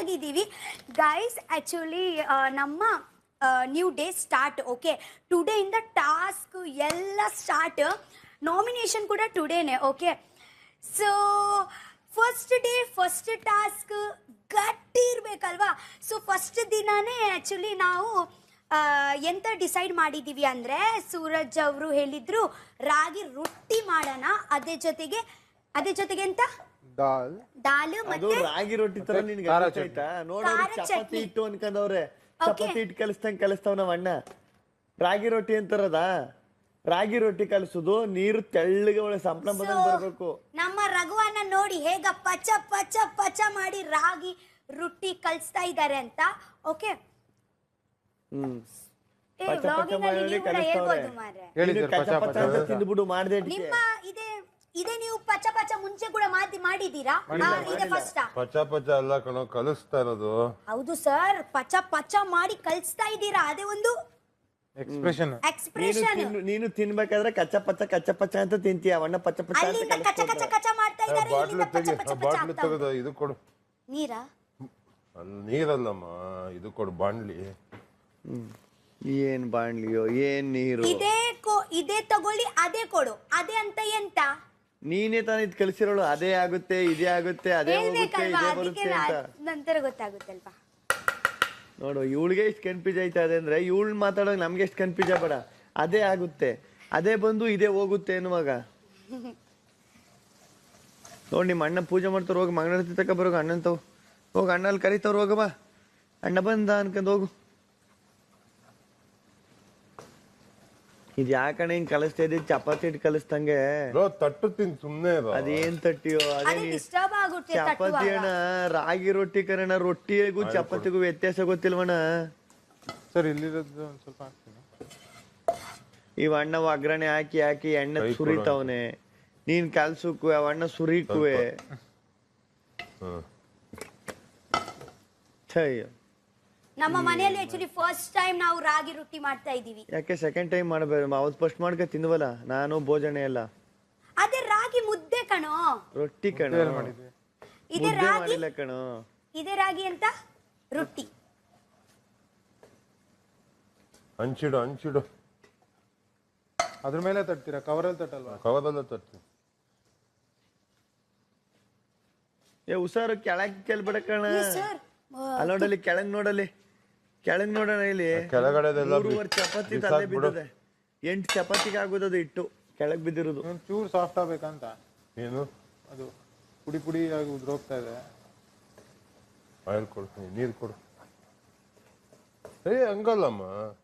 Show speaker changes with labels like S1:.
S1: ಆಗಿದ್ದೀವಿ guys. Actually ನಮ್ಮ new day start. Okay, ಟುಡೇಯಿಂದ ಟಾಸ್ಕ್ ಎಲ್ಲ ಸ್ಟಾರ್ಟ್. ನಾಮಿನೇಷನ್ ಕೂಡ ಟುಡೇನೆ. Okay, so first day first task ಗಟ್ಟಿ ಇರಬೇಕಲ್ವಾ. ಸೊ ಫಸ್ಟ್ ದಿನಾನೇ ಆ್ಯಕ್ಚುಲಿ ನಾವು ಎಂತ ಡಿಸೈಡ್ ಮಾಡಿದ್ದೀವಿ ಅಂದರೆ, ಸೂರಜ್ ಅವರು ಹೇಳಿದ್ರು ರಾಗಿ ರೊಟ್ಟಿ ಮಾಡೋಣ, ಅದೇ ಜೊತೆಗೆ ಎಂತ ದಾಲ್ ಮತ್ತೆ
S2: ರಾಗಿ ರೊಟ್ಟಿ ತರ ನಿನ್ಗೆ ಆಯ್ತಾ? ನೋಡೋರು ಚಪಾತಿ ಇಟ್ಟು ಅನ್ಕೊಂಡವ್ರೆ, ಚಪಾತಿ ಇಟ್ಟು ಕಲಿಸ್ತಾವ್ ನಾವ್ ಅಣ್ಣ. ರಾಗಿ ರೊಟ್ಟಿ ಅಂತಾರದ, ರಾಗಿ ರೊಟ್ಟಿ ಕಲಿಸುದು ನೀರು ತೆಳ್ಳಗೆ ಒಳ್ಳೆ ಸಂಪಳ ಬಂದಂಗ್ ಬರ್ಬೇಕು.
S1: ನಮ್ಮ ರಘುವನ್ನ ನೋಡಿ ಹೇಗ ಪಚ ಪಚ ಪಚ ಮಾಡಿ ರಾಗಿ ರೊಟ್ಟಿ ಕಲಿಸ್ತಾ ಇದ್ದಾರೆ ಅಂತ. ಓಕೆ,
S2: ತಿಂದ್ಬಿಡು ಮಾಡ್ದೆ.
S1: ನಿಮ್ಮ ಇದೇ ನೀವು ಪಚ ಪಚ ಮುಂಚೆ ಕೂಡ ಮಾಡಿದೀರಾ? ಇದೆ ಫಸ್ಟ್
S3: ಪಚ ಪಚ ಅಲ್ಲ ಕಣೋ, ಕಲಿಸ್ತಾ ಇರೋದು.
S1: ಹೌದು ಸರ್, ಪಚ ಪಚ ಮಾಡಿ ಕಲಿಸ್ತಾ ಇದ್ದೀರಾ, ಅದೇ ಒಂದು
S3: ಎಕ್ಸ್ಪ್ರೆಷನ್.
S2: ನೀನು ತಿನ್ಬೇಕಾದ್ರೆ ಕಚ್ಚ ಪಚ್ಚ ಅಂತ ತಿಂತೀಯ, ಅವಣ್ಣ ಪಚ್ಚ ಪಚ್ಚ
S1: ಅಲ್ಲಿಂದ ಕಚ ಕಚ ಕಚ ಮಾಡ್ತಾ ಇದ್ದಾರೆ, ಇಲ್ಲಿಂದ ಪಚ ಪಚ ಪಚ
S3: ಬಾಟ್ಲು ತೆಗೆದು ಇದು ಕೊಡು.
S1: ನೀರಾ?
S3: ನೀರಲ್ಲಮ್ಮ, ಇದು ಕೊಡು ಬಾಣ್ಲಿ.
S2: ಏನ್ ಬಾಣ್ಲಿಯೋ ಏನ್ ನೀರು?
S1: ಇದೇ ತಗೊಳ್ಳಿ, ಅದೇ ಕೊಡು, ಅದೇ ಅಂತ ಎಂತ?
S2: ನೀನೇ ತಾನೇ ಇದು ಕಲಿಸಿರೋಳು. ಅದೇ ಆಗುತ್ತೆ, ಇದೇ ಆಗುತ್ತೆ, ಅದೇ ಹೋಗುತ್ತೆ, ಇದೇ ಬರುತ್ತೆ ಅಂತ
S1: ನಂತರ ಗೊತ್ತಾಗುತ್ತಲ್ವಾ.
S2: ನೋಡು, ಇವಳಿಗೆ ಎಷ್ಟು ಕನ್ಫ್ಯೂಸ್ ಆಯ್ತಾ ಇದೆ ಅಂದ್ರೆ, ಇವಳು ಮಾತಾಡೋಕೆ ನಮ್ಗೆ ಎಷ್ಟು ಕನ್ಫ್ಯೂಸ್ ಆಗಬೇಡ. ಅದೇ ಆಗುತ್ತೆ, ಅದೇ ಬಂದು ಇದೇ ಹೋಗುತ್ತೆ ಅನ್ನುವಾಗ ನೋಡಿ, ನಿಮ್ಮ ಅಣ್ಣ ಪೂಜೆ ಮಾಡ್ತಾರ, ಹೋಗಿ ಮಂಗಳಾರತಿ ತಕ ಬರೋಗ ಅಣ್ಣಂತವ್ ಹೋಗಿ, ಅಣ್ಣ ಅಲ್ಲಿ ಕರಿತವ್ರು, ಹೋಗಬಾ ಅಣ್ಣ ಬಂದ ಅನ್ಕೊಂಡ್ ಹೋಗು. ಇದು ಯಾಕಣ್ಣ ಹಿಂಗ್ ಕಲಿಸ್ತಾ ಇದ್ದೀವಿ? ಚಪಾತಿ ಇಟ್ಟು ಕಲಿಸ್ದಂಗೆ
S3: ತಟ್ಟು ತಿನ್ ಸುಮ್ನೆ.
S2: ಅದೇನ್ ತಟ್ಟಿಯೋ, ಅದೇ ಚಪಾತಿ ಅಣ್ಣ, ರಾಗಿ ರೊಟ್ಟಿ ಕರಣ. ರೊಟ್ಟಿಗೂ ಚಪಾತಿಗೂ ವ್ಯತ್ಯಾಸ ಗೊತ್ತಿಲ್ವಣ್ಣ?
S3: ಸರ್ ಇಲ್ಲಿರೋದು ಒಂದ್ ಸ್ವಲ್ಪ ಹಾಕ್ತೀನಿ.
S2: ಇವ ಅಣ್ಣ ಒಗ್ಗರಣೆ ಹಾಕಿ ಎಣ್ಣೆ ಸುರಿತಾವನೆ, ನೀನ್ ಕಲ್ಸುಕುವೆ, ಅವ ಅಣ್ಣ ಸುರಿಕುವೆ.
S1: ನಮ್ಮ ಮನೆಯಲ್ಲಿ ಆಕ್ಚುಲಿ ಫಸ್ಟ್ ಟೈಮ್ ನಾವು ರಾಗಿ ರೊಟ್ಟಿ ಮಾಡ್ತಾ ಇದೀವಿ.
S2: ಯಾಕೆ ಸೆಕೆಂಡ್ ಟೈಮ್ ಮಾಡಬೇಕು? ಅವತ್ತು ಫಸ್ಟ್ ಮಾಡ್ಕ ತಿಂದ್ವಲ್ಲ ನಾನು, ಭೋಜನ ಎಲ್ಲ.
S1: ಅದೇ ರಾಗಿ ಮುದ್ದೆ ಕಣೋ,
S2: ರೊಟ್ಟಿ ಕಣೋ.
S1: ಇದೇ ರಾಗಿ
S2: ಕಣೋ,
S1: ಇದೇ ರಾಗಿ ಅಂತ ರೊಟ್ಟಿ.
S3: ಹಂಚಿಡು
S4: ಅದ್ರ ಮೇಲೆ ತಟ್ತೀರಾ? ಕವರಲ್ಲಿ ತಟ್ಟಲ್ವಾ?
S3: ಕವರಲ್ಲ ತಟ್ತೀನಿ.
S2: ಹುಷಾರು, ಕೆಳಗೆ ಕೆಲ್ಬೇಡ ಕಣ. ಅಲ್ಲಿ ನೋಡಲಿ, ಕೆಳಗ್ ನೋಡೋಣ. ಇಲ್ಲಿ
S3: ಕೆಳಗಡೆ
S2: ಚಪಾತಿ ತಲೆ ಬಿದ್ದದೆ, 8 ಚಪಾತಿಗೆ ಆಗೋದದು ಇಟ್ಟು ಕೆಳಗ್ ಬಿದ್ದಿರೋದು.
S4: ಚೂರು ಸಾಫ್ಟ್ ಆಗ್ಬೇಕಂತ.
S3: ಏನು
S4: ಅದು ಪುಡಿ ಆಗಿ ಉದ್ರೋಗ್ತಾ ಇದೆ.
S3: ಆಯಿಲ್ ಕೊಡ್ತೀನಿ, ನೀರು ಕೊಡು. ಹಂಗಲ್ಲಮ್ಮ.